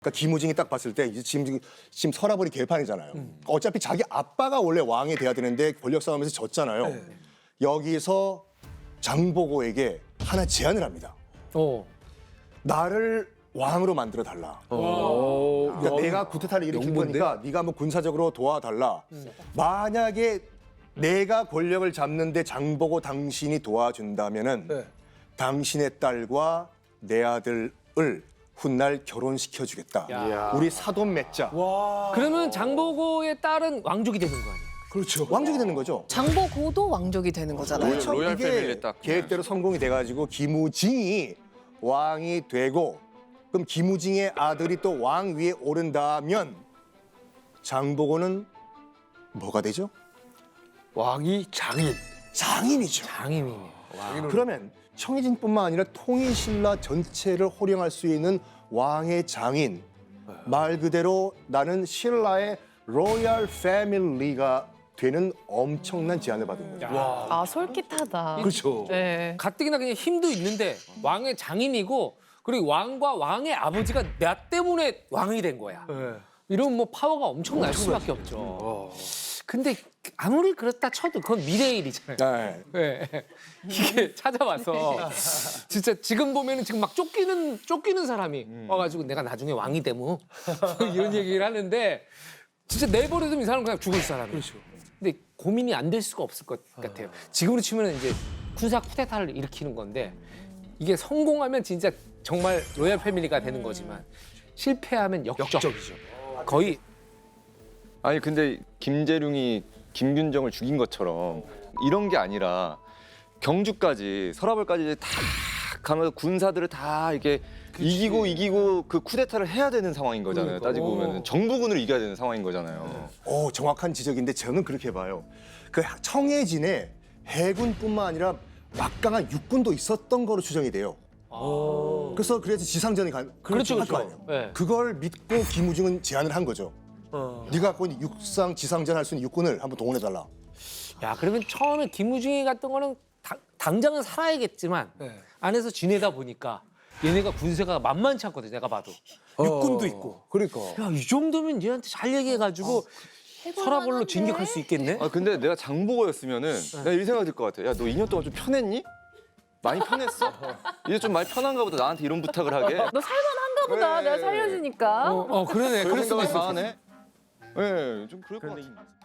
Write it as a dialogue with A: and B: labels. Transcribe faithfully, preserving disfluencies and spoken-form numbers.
A: 그러니까 김우징이 딱 봤을 때 이제 지금 지금 서라버리 개판이잖아요. 음. 어차피 자기 아빠가 원래 왕이 돼야 되는데 권력 싸움에서 졌잖아요. 네. 여기서 장보고에게 하나 제안을 합니다.
B: 어.
A: 나를 왕으로 만들어 달라.
B: 어.
A: 그러니까 내가 구테타를 일으킬 거니까 네가 뭐 군사적으로 도와달라. 음. 만약에 내가 권력을 잡는데 장보고 당신이 도와준다면은 네. 당신의 딸과 내 아들을 훗날 결혼시켜주겠다. 야. 우리 사돈 맺자.
B: 와. 그러면 장보고의 딸은 왕족이 되는 거 아니에요?
A: 그렇죠. 왕족이 되는 거죠.
C: 장보고도 왕족이 되는 거잖아요.
A: 그렇죠.
D: 로얄
A: 이게
D: 패밀리 딱
A: 계획대로 성공이 돼가지고 김우징이 왕이 되고 그럼 김우징의 아들이 또 왕 위에 오른다면 장보고는 뭐가 되죠?
E: 왕이 장인.
A: 장인이죠.
B: 장인이네.
A: 그러면 청해진뿐만 아니라 통일신라 전체를 호령할 수 있는 왕의 장인. 말 그대로 나는 신라의 로얄 패밀리가 되는 엄청난 제안을 받은 거죠.
C: 아 솔깃하다.
E: 그렇죠.
C: 네.
B: 가뜩이나 그냥 힘도 있는데 왕의 장인이고 그리고 왕과 왕의 아버지가 나 때문에 왕이 된 거야.
E: 네.
B: 이런 뭐 파워가 엄청날 수밖에 없죠.
E: 어.
B: 근데 아무리 그렇다 쳐도 그건 미래의 일이잖아요.
A: 네.
B: 네. 이게 찾아와서 진짜 지금 보면은 지금 막 쫓기는 쫓기는 사람이
E: 음.
B: 와가지고 내가 나중에 왕이 되면 이런 얘기를 하는데 진짜 내버려두면 이 사람은 그냥 죽을 사람이에요.
E: 그렇죠.
B: 근데 고민이 안 될 수가 없을 것 같아요. 지금으로 치면 이제 군사 쿠데타를 일으키는 건데 이게 성공하면 진짜 정말 로얄 패밀리가 되는 거지만 실패하면 역적.
E: 역적이죠.
B: 거의
D: 아니 근데 김재룡이 김균정을 죽인 것처럼 이런 게 아니라 경주까지 서라벌까지 이제 다 가면서 군사들을 다 이렇게 그치. 이기고 이기고 그 쿠데타를 해야 되는 상황인 거잖아요.
B: 그러니까.
D: 따지고 보면 정부군을 이겨야 되는 상황인 거잖아요.
A: 오, 정확한 지적인데 저는 그렇게 봐요. 그 청해진에 해군뿐만 아니라 막강한 육군도 있었던 거로 추정이 돼요.
B: 아.
A: 그래서 그래서 지상전이 가,
B: 그렇죠,
A: 할거
B: 그렇죠.
A: 아니에요.
B: 네.
A: 그걸 믿고 김우중은 제안을 한 거죠.
E: 어.
A: 네가 갖고 있는 육상 지상전 할 수 있는 육군을 한번 동원해달라.
B: 야 그러면 처음에 김우중이 갔던 거는 당, 당장은 살아야겠지만
E: 네.
B: 안에서 지내다 보니까 얘네가 군세가 만만치 않거든 내가 봐도
E: 어.
B: 육군도 있고
E: 그러니까.
B: 야 이 정도면 얘한테 잘 얘기해가지고 서라벌로 진격할 수 있겠네.
D: 아 근데 내가 장보고였으면은 내가 이 생각 들 것 같아. 야 너 이 년 동안 좀 편했니? 많이 편했어? 이제 좀 많이 편한가 보다 나한테 이런 부탁을 하게.
C: 너 살만한가 보다.
D: 네.
C: 내가 살려주니까.
B: 어, 어 그러네.
D: 그런
B: 그럴 수도
D: 생각이
B: 있어.
D: 다 하네. 예, 좀 그럴 것 같은데.